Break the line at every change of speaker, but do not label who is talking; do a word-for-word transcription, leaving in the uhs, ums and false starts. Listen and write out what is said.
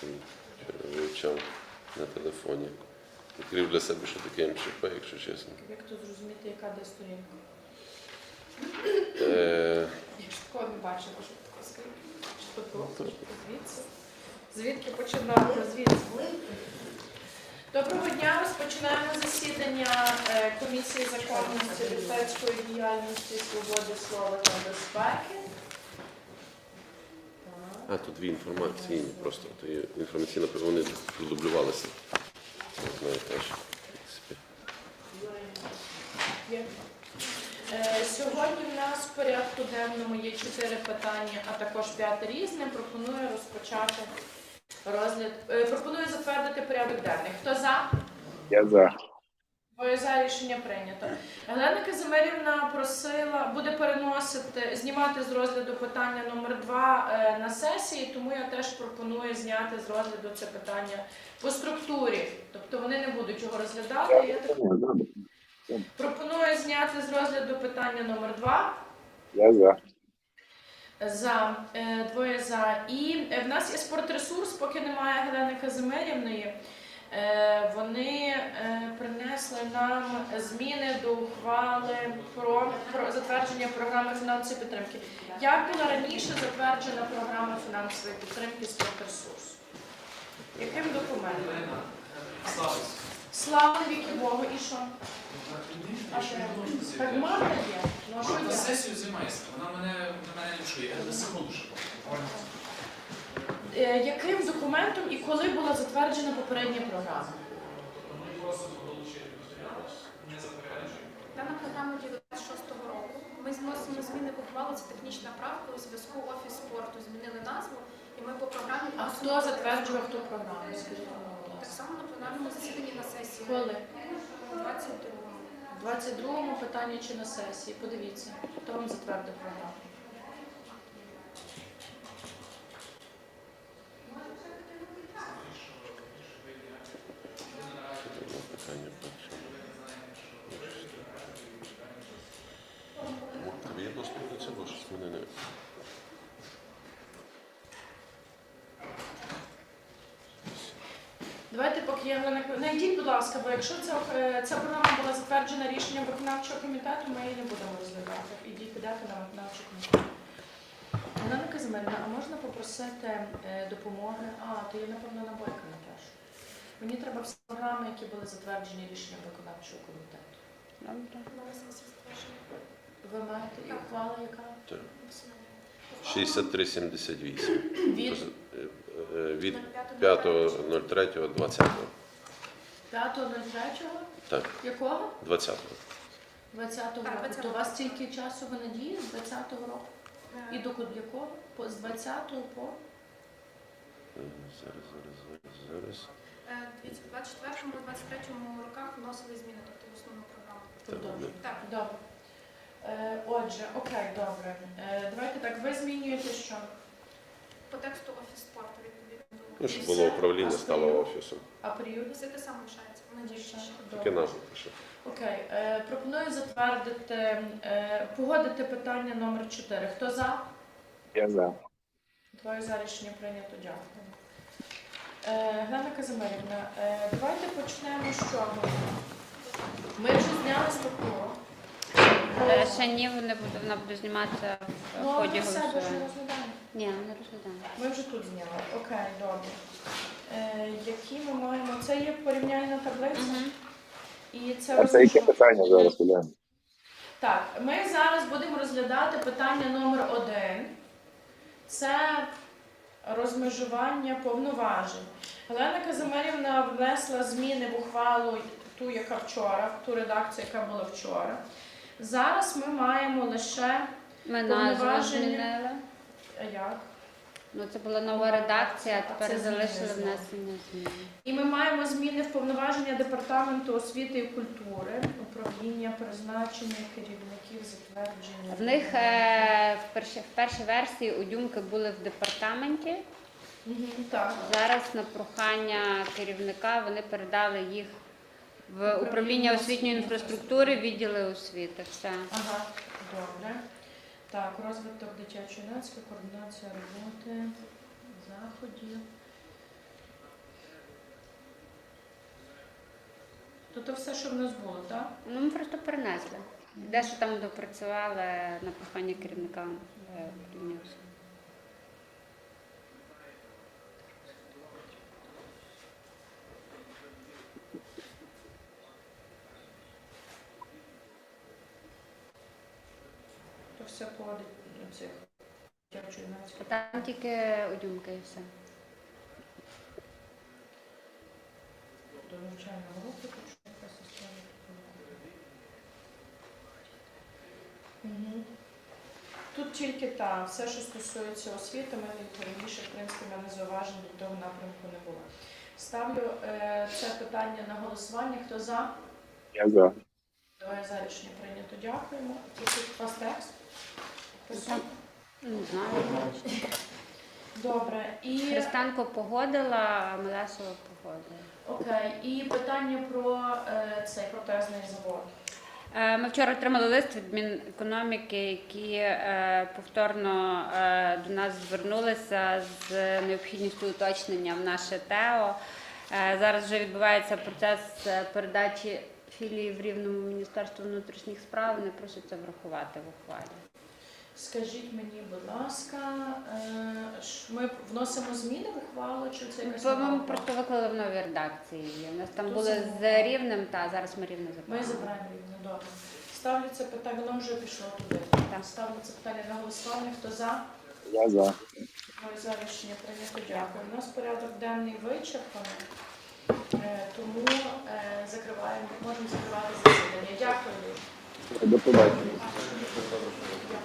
вивчав на телефоні. Відкрив для себе, що таке ем че пе, якщо чесно.
Як то зрозуміти, яка де сторінка?
Е,
Я ж такого не бачила, що таке скрипка. Звідси. Звідки починати? Звідси. Доброго дня. Розпочинаємо засідання е, Комісії законності, депутатської діяльності, свободи слова та безпеки.
а, тут дві інформаційні просто. То є інформаційна, вони продублювалися. Не знаю теж.
Є. Е, Сьогодні в нас в порядку денному є чотири питання, а також п'яте різне. Пропоную розпочати розгляд. Е, Пропоную затвердити порядок денний. Хто за?
Я за.
Двоє за, рішення прийнято. Галина Казимирівна просила, буде переносити, знімати з розгляду питання номер два е, на сесії, тому я теж пропоную зняти з розгляду це питання по структурі. Тобто вони не будуть його розглядати. Я так... Пропоную зняти з розгляду питання номер два.
Я за.
За, е, двоє за. І е, в нас є спортресурс, поки немає Галини Казимирівної. Е, Вони е, принесли нам зміни до ухвали про, про затвердження програми фінансової підтримки. Як була раніше затверджена програма фінансової підтримки спортресурсу? Яким документом? Слава віки Богу, і що? А що? Так Марта є? Ну, а що
На
є?
сесію займається, вона мене, на мене не чує, я на секунду ще.
Е, Яким документом і коли була затверджена попередня програма?
Дана програма діє до двадцять шостого року. Ми зносимо зміни в ухвалу, це технічна правка, у зв'язку офіс спорту змінили назву, і ми по програмі...
А хто затверджував ту програму? Скажіть, будь
Так
ласка.
само на пленарному засіданні на сесії.
Коли?
двадцять другого.
В двадцять другому питанні чи на сесії? Подивіться, хто вам затвердив програму.
Питання перше. Тобі є доступ до цього, щось мене не...
Давайте поки я Галина... Найдіть, будь ласка, бо якщо ця, е, ця програма була затверджена рішенням виконавчого комітету, ми її не будемо розглядати. Ідіть, підете на виконавчий комітет. Галина Казимирівна, а можна попросити е, допомоги? А, то є, напевно, на Бойка Наташу. Мені треба всі програми, які були затверджені рішенням виконавчого комітету.
На сесії затвердження.
Ви маєте і ухвала, яка?
Так. шістдесят три сімдесят вісім.
Від
Від п'ятого третього двадцятого.
п'ятого третього?
Так,
Якого?
двадцятого.
двадцятого
Так,
року. То у
двадцятого.
вас стільки часу ви надії з двадцятого року? І до якого? По- З двадцятого по?
Зараз, зараз, зараз, зараз.
Е, Дивіться, в двадцять четвертому - двадцять третьому роках вносили зміни, тобто в основну програму.
Продовжуємо.
Так.
Добре. Е, Отже, окей, добре. Е, Давайте так, ви змінюєте що?
По тексту офіс спорту відповідно
Ну,
до...
щоб було управління, стало офісом.
А період?
Все те саме лишається, вона діє ще.
Таке назву пише.
Окей. Е, Пропоную затвердити, е, погодити питання номер чотири. Хто за?
Я за.
Твоє за рішення прийнято. Дякую. Е, Галина Казимирівна, е, давайте почнемо з чого. Ми вже зняли структуру.
Е, Ще ні, вони буде, вона буде зніматися в
Ну, а
ході
ми все вже
голосування.
розглядаємо.
Ні, не розглядаємо.
Ми вже тут зняли. Окей, добре. Е, які ми маємо? Це є порівняльна таблиця.
Угу.
І це
А це яке
розміщу-
питання зараз, Уляна?
Так, ми зараз будемо розглядати питання номер один. Це розмежування повноважень. Галина Казимирівна внесла зміни в ухвалу ту, яка вчора, ту редакцію, яка була вчора. Зараз ми маємо лише
Ми назву
Повноваження.
змінили.
е, як?
Ну, це була нова редакція, а
Це
тепер
зміни
залишили
знову.
внесення змін.
І ми маємо зміни в повноваження Департаменту освіти і культури, управління, призначення керівників, затвердження.
В них е, в, перші, в першій версії удюмки були в департаменті.
Мгм, так.
Зараз на прохання керівника вони передали їх в управління освітньої інфраструктури, відділи освіти. Все.
Ага, добре. Так, розвиток дитячо-юнацької, координація роботи, заходів. то все, що в нас було, так?
Ну, ми просто перенесли. Дещо там допрацювали на прохання керівника е, управління освіти.
То все поводить до цих дівчо-юнацьких.
Там тільки одюмки і все.
До навчального року, тут що якась історія. Мгм. Тут тільки так, все, що стосується освіти, ми раніше, в принципі, в мене зауважень до того напрямку не було. Ставлю е, це питання на голосування. Хто за?
Я за.
Двоє за рішення прийнято. Дякуємо. Тут у вас текст?
Так. Не знаю.
Добре. І,
Христанко погодила, а Мелесова погодила.
окей. І питання про е, цей протезний завод.
Е, Ми вчора отримали лист від Мінекономіки, які е, повторно е, до нас звернулися з необхідністю уточнення в наше ТЕО. Е, Зараз вже відбувається процес е, передачі філії в Рівному Міністерству внутрішніх справ. Вони просять це врахувати в ухвалі.
Скажіть мені, будь ласка, е, ш- ми вносимо зміни в ухвалу, чи це якась
Бо
нова
ми
ухвала?
просто виклали в новій редакції. У нас там
Тут
були
замовлено.
з Рівнем, та зараз ми Рівне
Ми
забираємо.
забираємо рівно, добре. Ставлю це питання, воно вже пішло туди.
Так.
Ставлю це питання на голосування. Хто за?
Я за.
Моє за рішення прийнято. Дякую. У нас порядок денний вичерпаний, е, тому е, закриваємо, можемо закривати засідання. Дякую.
До побачення.
Дякую.